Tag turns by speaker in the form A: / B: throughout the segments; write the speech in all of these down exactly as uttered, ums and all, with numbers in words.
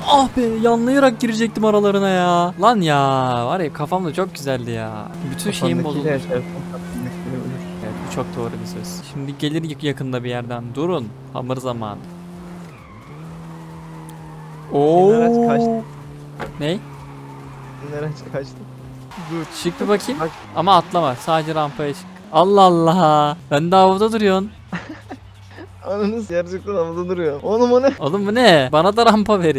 A: Ah be, yanlayarak girecektim aralarına ya. Lan ya, var ya kafamda çok güzeldi ya. Bütün şeyim bozuldu. Evet, bu çok doğru bir söz. Şimdi gelir yakında bir yerden. Durun. Hamur zamanı. Oo.
B: Araç kaçtı.
A: Ne?
B: Araç kaçtı. Dur.
A: Çık bir bakayım.
B: Bak.
A: Ama atlama. Sadece rampaya çık. Allah Allah. Ben de havada duruyorsun.
B: Ananız gerçekten havada duruyor. Oğlum o ne?
A: Oğlum bu ne? Bana da rampa verin.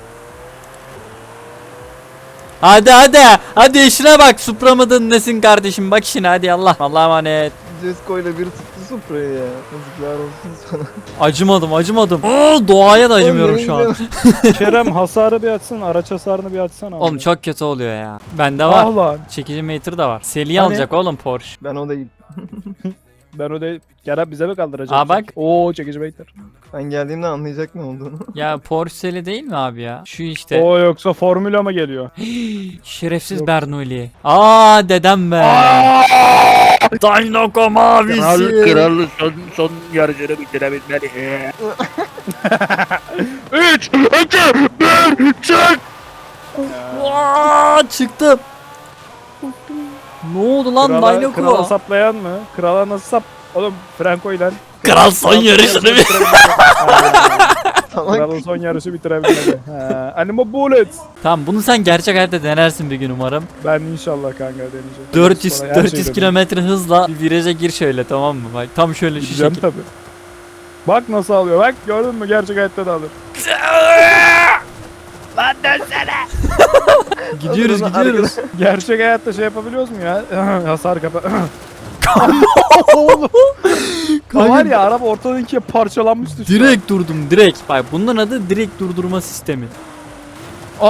A: Hadi hadi. Hadi işine bak. Supra mıdın nesin kardeşim? Bak işine hadi Allah. Allah'a emanet.
B: Cesko ile bir tuttu Supra'yı ya. Yazıklar olsun sana.
A: Acımadım acımadım. Oo, doğaya da acımıyorum şu an.
C: Kerem hasarı bir açsın, araç hasarını bir açsana.
A: Oğlum çok kötü oluyor ya. Bende var.
C: Ah lan.
A: Çekici meter de var. Seli
C: Hani?
A: alacak oğlum Porsche.
B: Ben o değil.
C: Ben o değil. Kerem bize mi kaldıracak?
A: Aa bak.
C: Oo çekici bekler.
B: Ben geldiğimde anlayacak ne olduğunu.
A: Ya Porsche Seli değil mi abi ya? Şu işte.
C: Oo yoksa formüla mı geliyor?
A: Şerefsiz
C: Yok.
A: Bernoulli. Aa dedem be. Dynoko mavisi.
D: Kralı son, son yarışını bitirebilmeli. üç, iki, bir, çık!
A: Aa, çıktım. Ne oldu lan
C: Krala,
A: Dynoko?
C: krala saplayan mı? Krala nasıl sap? Oğlum Franco ile
A: Kral son yarışını bir.
B: Salak.
C: Kralın son yarışı bitirebilmedi. Ha, Animo Bullet.
A: Tamam bunu sen gerçek hayatta denersin bir gün umarım.
C: Ben inşallah kanka deneyeceğim.
A: dört yüz
C: Sonra her
A: dört yüz
C: şeyi
A: kilometre hızla bir viraja gir şöyle, tamam mı? Bak tam şöyle şu
C: Gideceğim
A: şekil.
C: tabi. Bak nasıl alıyor. Bak gördün mü? Gerçek hayatta da alır.
D: Lan dönsene!
A: Gidiyoruz
B: Adamın
A: gidiyoruz.
C: Gerçek hayatta şey yapabiliyoruz mu ya? Hasar kapa.
A: Kanka,
C: Var ya araba ortadan ikiye parçalanmıştı. şu an.
A: direkt durdum direkt. Bak bunun adı direkt durdurma sistemi. Aa.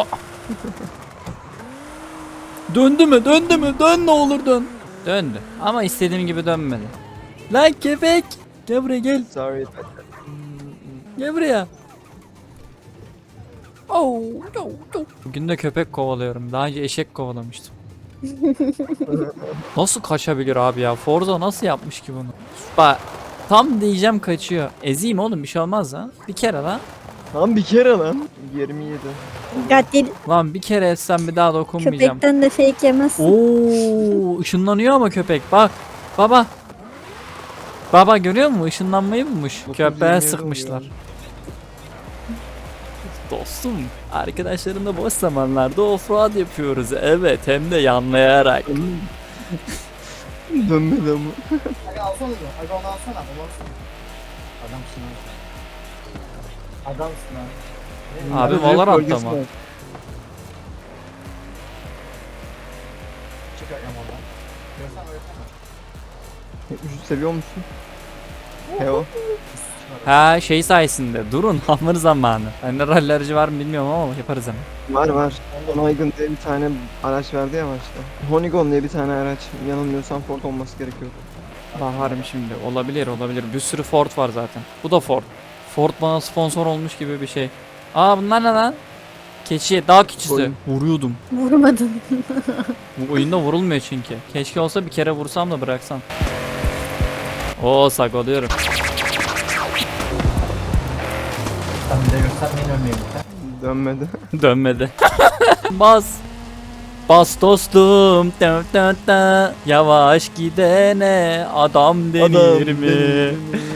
A: Döndü mü? Döndü mü? Dön ne olur dön. Döndü. Ama istediğim gibi dönmedi. Lan köpek. Gel buraya gel.
B: Sorry.
A: Gel buraya. Oh, no, no. Bugün de köpek kovalıyorum. Daha önce eşek kovalamıştım. Nasıl kaçabilir abi ya? Forza nasıl yapmış ki bunu? Bak tam diyeceğim kaçıyor. Ezeyim oğlum, bir şey olmaz lan. Bir kere lan.
B: Lan bir kere lan. yirmi yedi.
E: Katil
A: Lan bir kere etsem bir daha dokunmayacağım.
E: köpekten de fake yemezsin.
A: Oo, ışınlanıyor ama köpek. Bak. Baba. Baba görüyor musun? Işınlanmayı bulmuş. Köpeğe
B: yirmi
A: sıkmışlar. Dostum, arkadaşlarımla boş zamanlarda offroad yapıyoruz. Evet, hem de yanlayarak.
B: Dönmedi ama.
F: Aga alsana da. Aga onu alsana. Onu alsana. Adamsın ha. Adamsın ha.
A: Abi
B: Büyük
A: Valorant'ta
B: bölgesi
A: mı?
B: var.
F: Çık agam oradan. Görsene görsene.
B: yetmiş üç seviyor musun? Heo.
A: Ha şey sayesinde. Durun, hamur zamanı. Bende rally aracı var mı bilmiyorum ama yaparız hemen.
B: Var var. Honeygon diye bir tane araç verdi ya başta. Honeygon diye bir tane araç. Yanılmıyorsam Ford olması gerekiyor.
A: Baharım şimdi. Olabilir olabilir. Bir sürü Ford var zaten. Bu da Ford. Ford bana sponsor olmuş gibi bir şey. Aa bunlar ne lan? Keçi, dağ keçisi.
B: Oyun.
A: Vuruyordum.
E: Vurmadın.
A: Bu oyunda vurulmuyor çünkü. Keşke olsa bir kere vursam da bıraksam. Oo saklıyorum.
F: Sen bir de göstermeyin ölmeyin.
B: Dönmedi.
A: Dönmedi. Bas. Bas dostum. Tı tı tı. Yavaş gidene adam denir mi?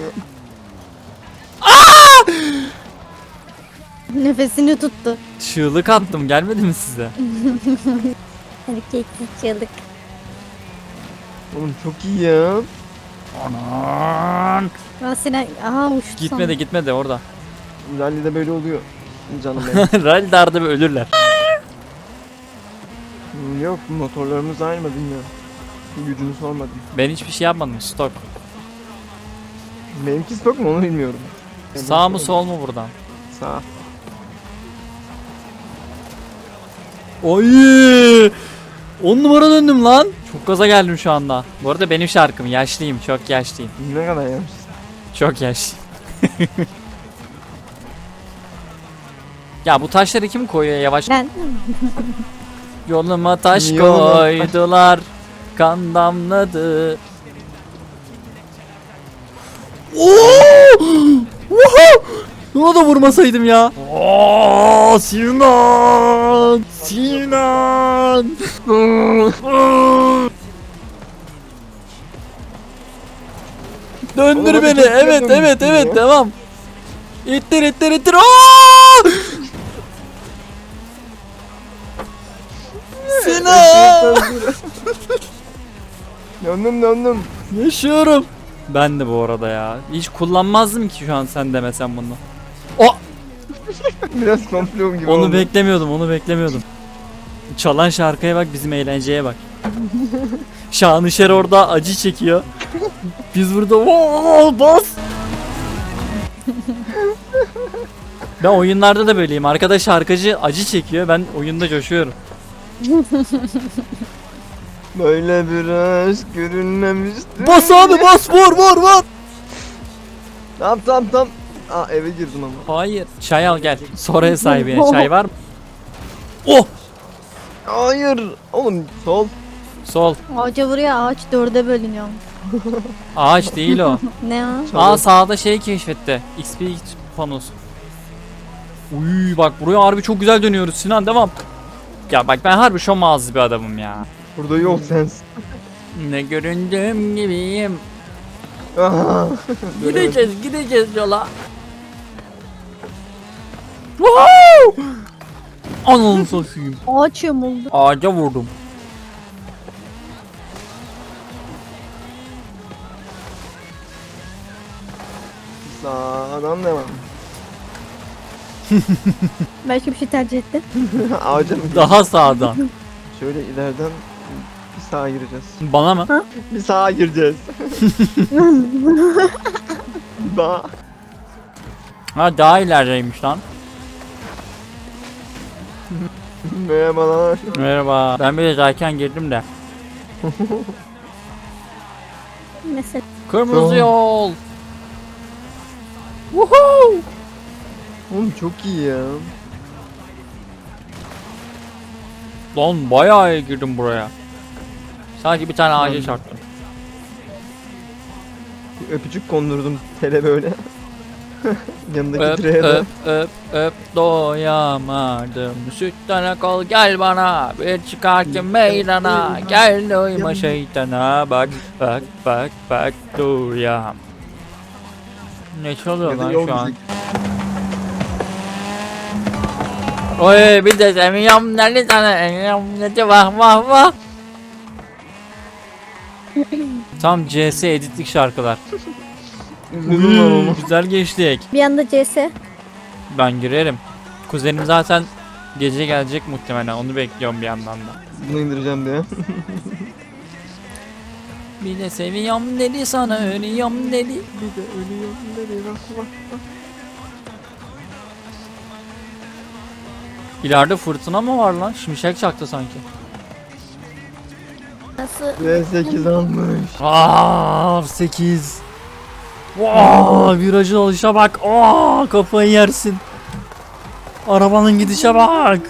E: Nefesini tuttu.
A: Çığlık attım, gelmedi mi size?
E: Erkekli çığlık.
B: Oğlum çok iyi ya.
A: Aman.
E: Ben seni aha uçtu.
A: Gitmedi gitmedi orada.
B: Rally'de böyle oluyor. Canım benim.
A: Rally darda bir ölürler.
B: Hmm, Yok motorlarımız aynı mı bilmiyorum. Gücünü sormadım.
A: Ben hiçbir şey yapmadım, stok.
B: Benimki stok mu onu bilmiyorum.
A: Sağ mı sol mu buradan?
B: Sağ.
A: Oy! on numara döndüm lan. Çok gaza geldim şu anda. Bu arada benim şarkım, yaşlıyım, çok yaşlıyım.
B: Ne kadar yapmışsın?
A: Çok yaşlı. Ya bu taşları kim koyuyor yavaş?
E: Ben
A: Yoluma taş
B: Yoluma taş-
A: koydular. Kan damladı. Oo! Woohoo! Ona da vurmasaydım ya. Oo, Sinan! Sinan! Döndür
B: Oğlum,
A: beni.
B: çok güzel
A: Evet, evet,
B: dönmüşsün
A: evet.
B: ya.
A: Devam. İttir, ittir, ittir. Aa! Sinan!
B: Döndüm döndüm.
A: Yaşıyorum. Ben de bu arada ya. Hiç kullanmazdım ki şu an sen demesen bunu. O
B: Biraz komplo gibi
A: onu
B: oldu.
A: beklemiyordum, onu beklemiyordum. Çalan şarkıya bak, bizim eğlenceye bak. Şanışer orada acı çekiyor. Biz burada "Oo, bas." Ben oyunlarda da böyleyim. Arkadaş şarkıcı acı çekiyor. Ben oyunda coşuyorum.
B: Böyle bir aşk görünmemişti.
A: Bas abi bas, vur vur vur.
B: Tamam tamam tamam. Aa eve girdim ama.
A: Hayır. Çay al gel. Sonra sahibine. Çay var mı? Oh!
B: Hayır. Oğlum sol.
A: Sol.
E: Ağaca vuruyor, ağaç dörde bölünüyor.
A: Ağaç değil o.
E: Ne o?
B: Çalı.
A: Aa sağda şey keşfetti. X P panosu. Uy bak buraya harbi çok güzel dönüyoruz Sinan, devam. Ya bak ben harbi şom ağzı bir adamım ya.
B: Burada yok sensin.
A: Ne göründüğüm gibiyim.
B: Aha.
A: Gideceğiz gideceğiz yola. Woohoo! Ananı satayım.
E: Ağaç yamuldu.
A: Ağaca vurdum.
B: Sağdan devam.
E: Belki bir şey tercih etti.
B: Ağaca mı?
A: Daha sağdan.
B: Şöyle ileriden bir sağa gireceğiz.
A: Bana mı?
B: Bir sağa gireceğiz. Daha.
A: Ha daha ilerideymiş lan.
B: Merhabalar.
A: Merhaba. Ben bir de erken girdim de.
E: Mesela.
A: Kırmızı
B: Tamam.
A: yol. Woohoo!
B: Oğlum çok iyi ya.
A: Lan bayağı iyi girdim buraya. Sanki bir tane ağaca
B: Lan.
A: çarptım.
B: Bir öpücük kondurdum tele böyle. Yanındaki
A: Öp
B: direğe de.
A: öp öp öp doyamadım. Sütten kol gel bana. Bir çıkarken meydana. Gel doyma şeytana. Bak bak bak bak dur ya. Ne çalıyor
B: Ya da
A: lan
B: yol
A: şu an?
B: müzik.
A: Oy bir de emiyorum nerede sana emiyorum nece vah vah vah. Tam C S editlik şarkılar.
B: Üzüldüm lan oğlum.
A: Güzel geçtik.
E: Bir anda C S.
A: Ben girerim. Kuzenim zaten gece gelecek muhtemelen. Onu bekliyorum bir yandan da.
B: Bunu indireceğim diye.
A: Bir de seviyorum dedi sana ölüyorum dedi.
B: Bir de ölüyorum dedi. Bak bak bak.
A: İleride fırtına mı var lan? Şimşek çaktı sanki.
E: Nasıl?
B: V sekiz almış.
A: Aa sekiz. Vaa virajın alışa bak. Aa kafayı yersin. Arabanın gidişe bak.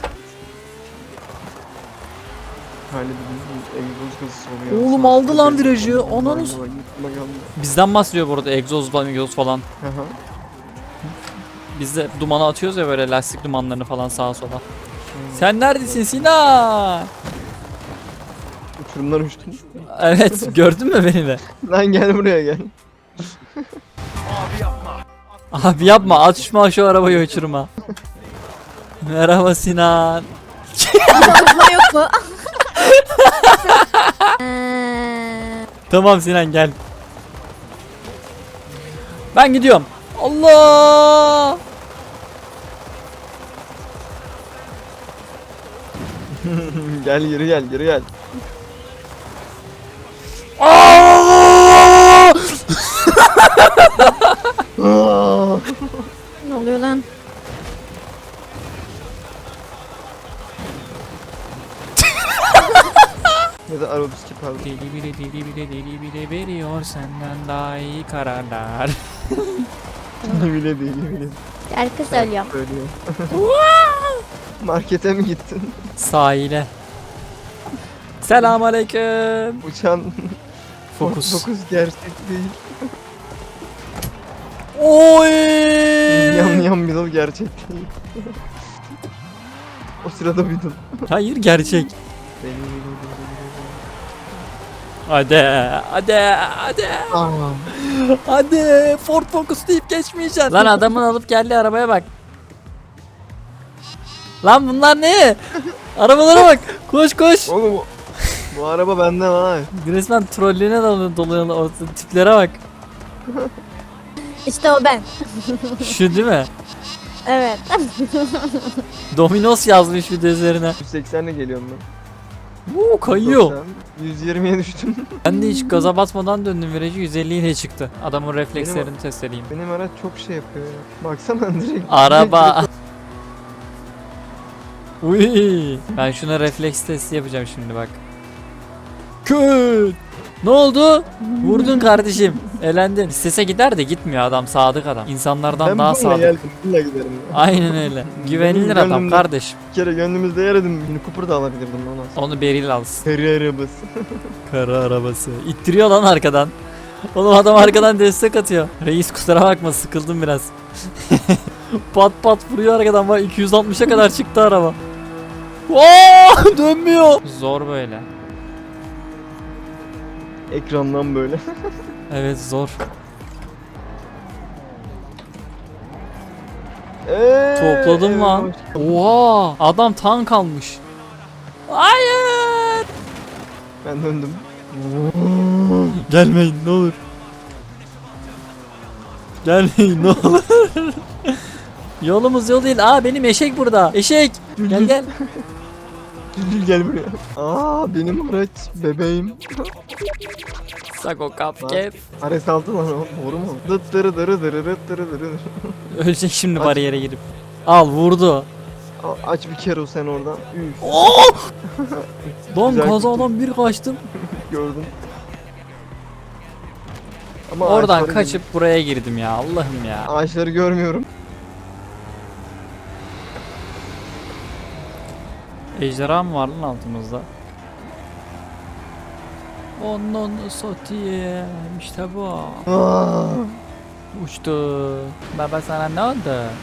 B: Halledilmiş egzoz kızı oluyor.
A: Oğlum aldı lan virajı. Onun
B: Bak, bak, bak.
A: bizden bahsediyor bu arada, egzoz falan egzoz falan.
B: Aha.
A: Biz de dumanı atıyoruz ya böyle, lastik dumanlarını falan sağa sola. Sen neredesin Sinan?
B: Uçurumdan uçtum.
A: Evet gördün mü beni de?
B: Lan gel buraya gel.
A: Abi yapma, atışma şu arabayı uçurma. Merhaba Sinan.
E: Konuşma yok mu? Eee,
A: Tamam Sinan gel. Ben gidiyorum. Allah!
B: Gel geri gel geri gel.
A: Aa!
B: Aa!
E: ne oluyor lan?
B: Ya da arabeski pardon.
A: Deli bile deli bile deli bile veriyor senden daha iyi kararlar.
B: bile değil bile.
E: Şarkı söylüyorum.
B: Söylüyor. Markete mi gittin?
A: Sahile. Selamünaleyküm.
B: Uçan
A: Fokus.
B: fokus gerçek değil.
A: Oy!
B: Yan yan middle gerçek değil. O sırada middle.
A: Hayır gerçek. Hadi, hadi, hadi,
B: Aa,
A: hadi. Ford Focus deyip geçmeyeceksin. Lan adamın alıp geldiği arabaya bak. Lan bunlar ne? Arabalara bak. Koş koş.
B: oğlum bu, bu araba bende ha.
A: Resmen trollüğüne doluyor, doluyor o tiplere bak.
E: İşte o ben.
A: Şu değil mi?
E: Evet.
A: Dominos yazmış bir de üzerine.
B: yüz seksenle geliyorum ben.
A: Uuu kayıyor.
B: doksan, yüz yirmiye düştüm.
A: Ben de hiç gaza basmadan döndüm virajı yüz elli ile çıktı. Adamın reflekslerini test edeyim.
B: Benim araç çok şey yapıyor ya. Baksana direkt.
A: Araba. Uy. Ben şuna refleks testi yapacağım şimdi bak. Köt. Ne oldu? Vurdun kardeşim. Elendin. İstese gider de gitmiyor adam. Sadık adam. İnsanlardan
B: Ben
A: daha
B: bununla
A: sadık.
B: geldim. Bununla giderim ya.
A: Aynen öyle. Güvenilir
B: Benim
A: adam
B: gönlümde-
A: kardeşim.
B: Bir kere gönlümüzde yer edin. Mini Cooper da alabilirdim ona.
A: Onu Beril alsın.
B: Seri arabası.
A: Kara arabası. İttiriyor lan arkadan. Oğlum adam arkadan destek atıyor. Reis kusura bakma sıkıldım biraz. Pat pat vuruyor arkadan bak iki yüz altmışa kadar çıktı araba. Oo, dönmüyor. Zor böyle.
B: Ekrandan böyle.
A: Evet zor.
B: Eee,
A: Topladım
B: evet,
A: lan.
B: hoş-
A: Oha adam tank almış. Hayır.
B: Ben döndüm.
A: Gelmeyin ne olur. Gelmeyin ne olur. Yolumuz yol değil. Aa benim eşek burada. Eşek. Gel gel.
B: Düldül gel buraya. Aa benim araç bebeğim.
A: Sako kapket.
B: Ares altı lan o. Doğru mu? Dıt dırı dırı dırı dırı dırı dırı.
A: Ölecek şimdi
B: Aç.
A: bariyere girip. Al vurdu.
B: Al, aç bir kere o sen oradan. Üf
A: Oh! Lan
B: Güzel
A: kazadan bir kaçtım.
B: gördüm. Ama
A: Oradan
B: ağaçları
A: kaçıp buraya girdim ya Allah'ım ya.
B: Ağaçları görmüyorum.
A: Ejderha mı var lan altımızda? Onun satayım işte bu.
B: Aa,
A: Uçtu. Baba sana ne oldu?